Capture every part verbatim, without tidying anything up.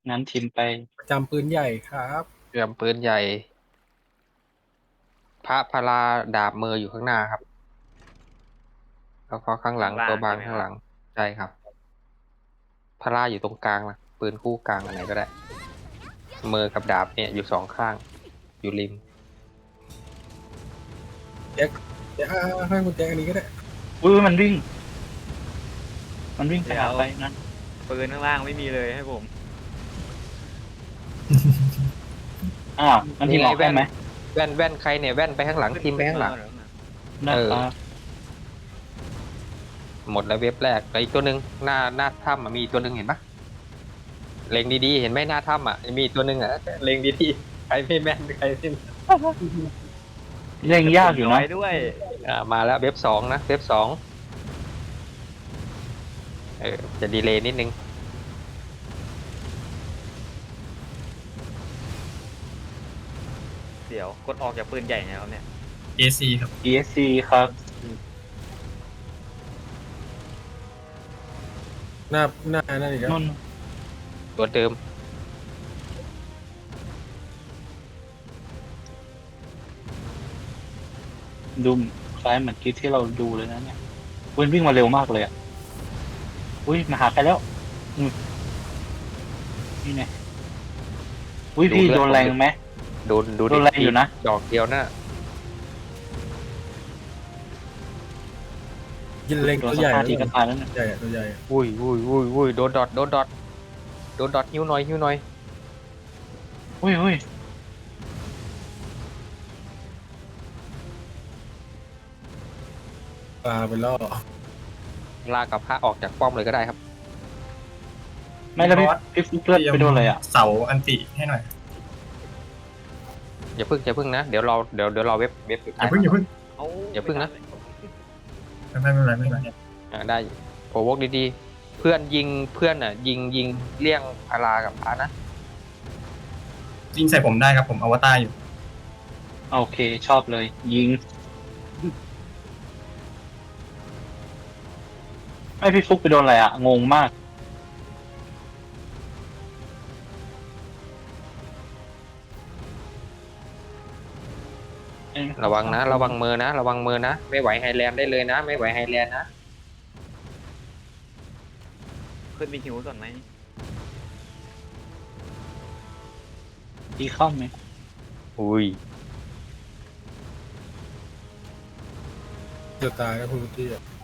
งั้นทิมไปประจำปืนใหญ่ครับเรือมปืนใหญ่ พระพลาดาบมืออยู่ข้างหน้าครับแล้วก็ข้างหลังตัวบางข้างหลังใช่ครับพลาอยู่ตรงกลางนะปืนคู่กลางอันไหนก็ได้มือกับดาบเนี่ยอยู่สองข้าง อยู่ริมแจ็คเดี๋ยวให้คุณแจ็คอันนี้ก็ได้อุ้ยมันวิ่ง มันวิ่งไปหาไปนั่นปืนข้างล่างไม่มีเลยให้ผมอ้าวมันทีมออกได้ไหมแว่นแว่นใครเนี่ยแว่นไปข้างหลังทีมไปข้างหลังนะครับหมดแล้วเว็บแรกแล้วอีกตัวหนึ่งหน้าหน้าถ้ำอะมีอีกตัวหนึ่งเห็นปะเล็งดีๆเห็นไหมหน้าถ้ำอ่ะมีอีกตัวหนึ่งอ่ะเล็งดีๆใครไม่แม่นใครไม่แม่นเล่นยากอยู่นะด้วยอ่ามาแล้วเว็บสองนะเว็บสองเออจะดีเลย์นิดนึงเดี๋ยวกดออกจากปืนใหญ่ไงครับเนี่ยเอ ซี ครับอี เอส ซี ครับหน้าหน้านั่นอีกแล้วนุ่นตัวเดิมดูคล้ายเหมือนที่ที่เราดูเลยนะเนี่ยอุ้ยวิ่งมาเร็วมากเลยอ่ะอุ้ยมาหาใครแล้วอืมนี่ไงอุ้ยพี่โดนแรงไหมโดนดูโดนแรงอยู่นะดอกเดียวนะยินเล็งโดตันวสใหญ่ตาร์ทีก็ตายแล้วเนี่ยใหญ่อะตัวใหญ่อุ้ยอุ้ยอุ้ยอุ้ยโดนดอทโดนดอทโดนดอทหิ้วหน่อยหิ้วหน่อยอุ้ยอุ้ยปลาไปล่อลากกับพระออกจากป้อมเลยก็ได้ครับไม่แล้วพี่พี่ฟุกเลือดไปโดนอะไรอ่ะเสาอันติให้หน่อยอย่าพึ่งอย่าพึ่งนะเดี๋ยวเราเดี๋ยวเดี๋ยวเราเว็บเว็บสุดอท้าย่าย เพิ่งอย่าเพิ่งเอาอย่าพึ่งนะไม่ไม่เป็นไรไม่เป็นไรอ่าได้โอวกดีๆ เพื่อนยิงเพื่อนอ่ะ ยิงยิงเลี่ยงพารากับพระนะยิงใส่ผมได้ครับผมอวตารอยู่โอเคชอบเลย ยิงไม่พี่ฟุกไปโดนอะไรอ่ะงงมากระวังนะ ระวังมือนะ ระวังมือนะ ไม่ไหวไฮแลนด์ได้เลยนะ ไม่ไหวไฮแลนด์นะขึ้นมีหิวก่อนไหมดีเข้าไหมอุ้ยจะตายแล้วคุณพุทธิอ่ะ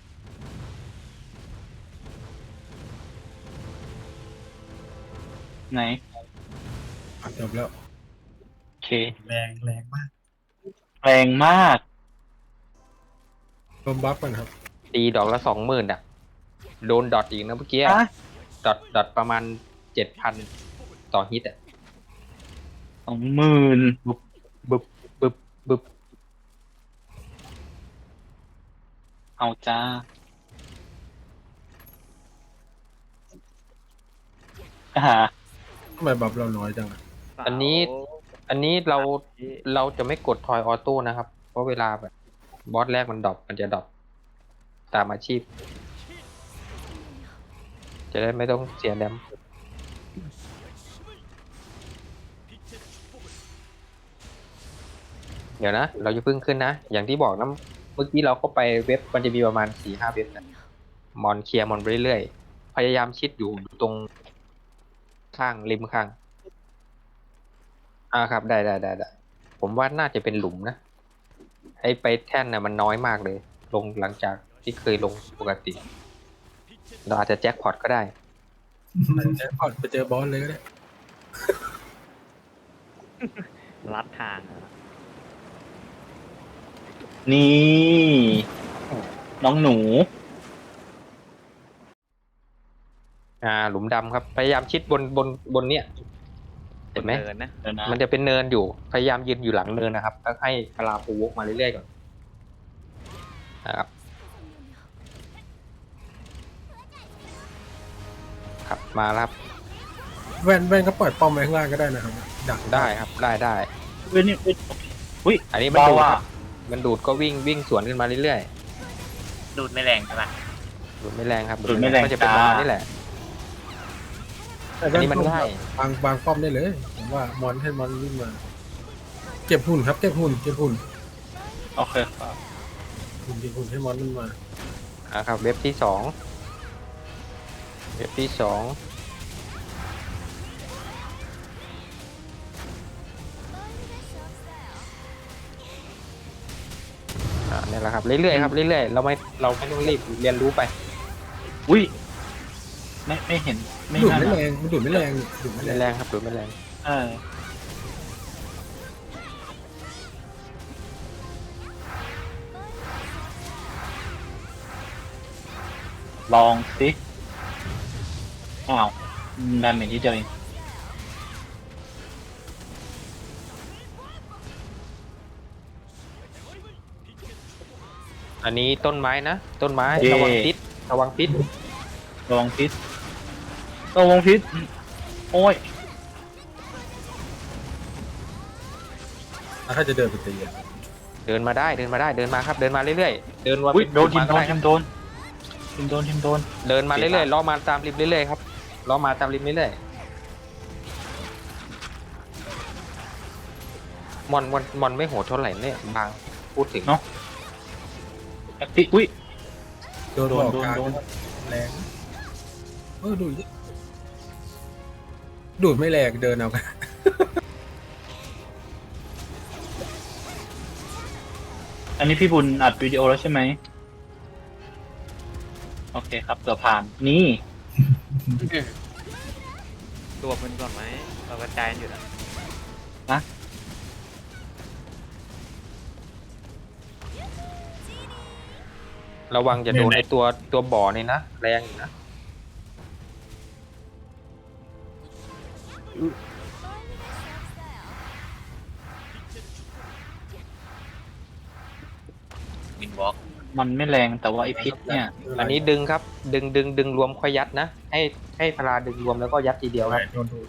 ไหนจบแล้วโอเคแรงแรงมากแรงมากลมบัฟกันครับตีดอกละสองหมื่นอ่ะ โดนดอทอีกนะเมื่อกี้อะดอทดอทประมาณเจ็ดพันต่อฮิตอ่ะสองหมื่นบึบบึบบึบบึบเอาจ้าหาทำไมบัฟเราน้อยจังอะอันนี้ อันนี้เราเราจะไม่กดทอยออโต้นะครับ เพราะเวลาแบบบอสแรกมันดรอปมันจะดรอปตามอาชีพ จะได้ไม่ต้องเสียแดมเดี๋ยวนะ เราจะพึ่งขึ้นนะ อย่างที่บอกนะเมื่อกี้เราเข้าไปเว็บมันจะมีประมาณสี่ห้าเว็บนะมอนเคลียร์มอนไปเรื่อยๆ พยายามชิดอยู่ตรงข้างริมข้าง อ่าครับได้ได้ได้ได้ผมว่าน่าจะเป็นหลุมนะ ไอไปแท่นน่ะมันน้อยมากเลย ลงหลังจากที่เคยลงปกติ เราอาจจะแจ็คพอตก็ได้แจ็คพอตไปเจอบอสเลยก็ได้ลัดทางนี่ น้องหนูอ่า หลุมดำครับ พยายามชิดบนบนบนเนี้ยเห็นไหมเดินนะเดี๋ยวนะมันจะเป็นเนินอยู่ พยายามยืนอยู่หลังเนินนะครับแล้วให้พลาปูวกมาเรื่อยๆก่อนนะครับ ครับมาแล้วครับแว่นแว่นก็ปล่อยป้อมไว้ข้างล่างก็ได้นะครับดักได้ครับได้ได้เว้ยนี่เว้ยอุ้ยอันนี้มันเบาดูดอ่ะครับมันดูดก็วิ่งวิ่งสวนขึ้นมาเรื่อยดูดไม่แรงใช่ปะๆดูดไม่แรงครับดูดไม่แรงก็จะเป็นประมาณจ้านี้แหละแต่อันนี้มันป้อง่ายบางบางป้อมได้เลยผมว่ามอนให้มอนวิ่งมา เก็บหุ่นครับเก็บหุ่นเก็บหุ่นโอเคครับหุ่นเก็บหุ่นให้มอนมันมาอ่ะครับ เว็บที่สองเว็บที่สองอ่าเนี่ยแหละครับเรื่อยๆครับเรื่อยๆเราไม่เราไม่ต้องรีบเรียนรู้ไปอุ้ยไม่ไม่เห็นไม่ดูดน่าไม่นะแรงมันดูดไม่แรงดูดไม่ไม่แรงแรงครับหรือไม่แรงเออลองสิอ้าวดาเมจที่เดียวเองอันนี้ต้นไม้นะต้นไม้ระวังพิษระวังพิษระวังพิษระวังพิษโอ้ยแล้วถ้าจะเดินไปตีอะเดินมาได้เดินมาได้เดินมาครับเดินมาเรื่อยๆเดินมาอุ้ยโดนทีมโดมานทีมโดนทีมโดนทีมโดนเดินมาเรื่อยๆล้อมาตามริมเรื่อยๆครับล้อมาตามริมเรื่อยๆมอนมอนมอนไม่โหดเท่าไหร่เนี่ยบางพูดถึงเนาะแอคติอุ้ยโดนโดบนอกโดนกลางโดนแรงเออดูดดูดไม่แรงเดินเอากันอันนี้พี่บุญอัดวิดีโอแล้วใช่ไหมโอเคครับเกือบผ่านนี่ตัวมันก่อนไหมเรากระจายกันอยู่นะระวังจะโดนไอตัวตัวบ่อนี่นะแรงอยู่นะวินวอล์กมันไม่แรงแต่ว่าไอพิษเนี่ยอันนี้ดึงครับดึงดึงดึงรวมค่อยยัดนะให้ให้พลาดึงรวมแล้วก็ยัดทีเดียวครับโดนดูด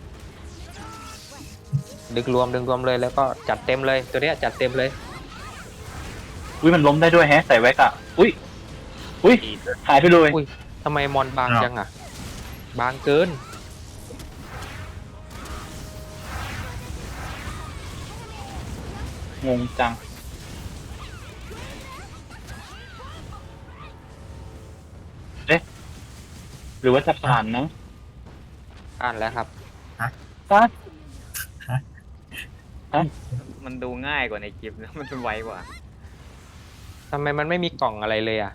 ดึงรวมดึงรวมเลยแล้วก็จัดเต็มเลยตัวเนี้ยจัดเต็มเลยอุ้ยมันล้มได้ด้วยแฮะใส่แว็กอะอุ้ยอุ้ยหายไปเลยอุ้ยทำไมมอนบางจังอ่ะ บางเกินงงจังเอ๊ะหรือว่าจะผ่านนะอ่านแล้วครับป้ามันดูง่ายกว่าในคลิปนะ มันไวกว่าทำไมมันไม่มีกล่องอะไรเลยอ่ะ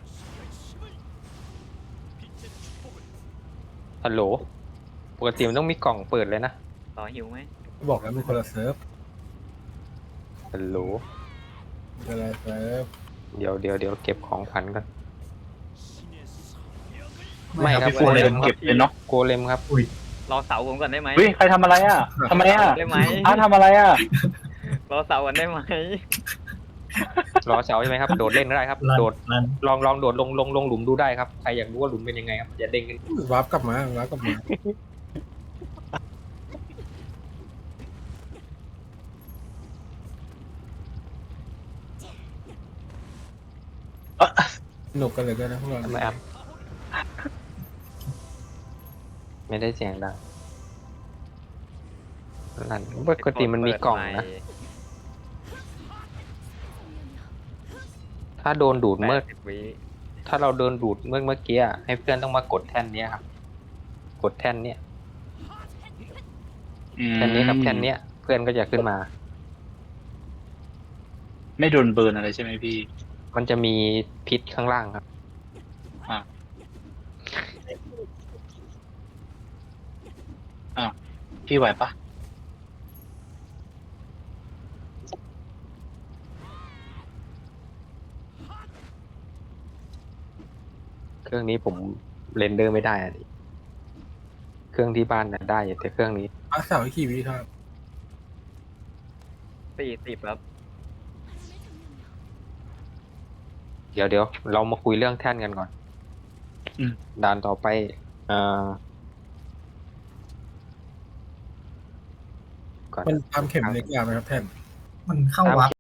ฮัลโหลปกติมันต้องมีกล่องเปิดเลยนะต่อหิวไหมบอกแล้วมันคนละเซิร์ฟฮัลโหลคนละเซิร์ฟเดี๋ยวเดี๋ยวเดี๋ยวเก็บของขวัญก่อนไม่ครับพี่โฟนเลยเก็บเลยเนาะโกเลมครับรอเสาผมก่อนได้ไหมเฮ้ยใครทำอะไรอ่ะทำไมอ่ะได้ไหมอ้าทำอะไรอ่ะรอเสากันได้ไหมรอเสาใช่ไหมครับ โดดเล่นก็ได้ครับลันโดดลันลองลองโดดลงลงลงหลุมดูได้ครับ ใครอยากรู้ว่าหลุมเป็นยังไงครับ อย่าเด้งกันวาร์ปกลับมาวาร์ปกลับมาเอ่อสนุกกันเลยก็นะพวกเราทำไมครับ ไม่ได้เสียงดังนั่นปกติมันมีกล่องนะ ถ้าโดนดูดเมื่เมื่ออสิบวิถ้าเราโดนดูดเมื่อเมื่อกี้อะให้เพื่อนต้องมากดแท่นเนี้ยครับ กดแท่นเนี้ย แท่นนี้ครับแท่นเนี้ย เพื่อนก็จะขึ้นมาไม่โดนเบิร์นอะไรใช่ไหมพี่มันจะมีพิษข้างล่างครับพี่ไหวปะเครื่องนี้ผมเรนเดอร์ไม่ได้อะดิเครื่องที่บ้านน่ะได้แต่เครื่องนี้อาสาวอีกกี่วิครับสี่สิบครับเดี๋ยวเดี๋ยวเรามาคุยเรื่องแท่นกันก่อนอืมด่านต่อไปเอ่อก่อนมันตามเข็มเล็กยาวไหมครับแท่นมันเข้าวับ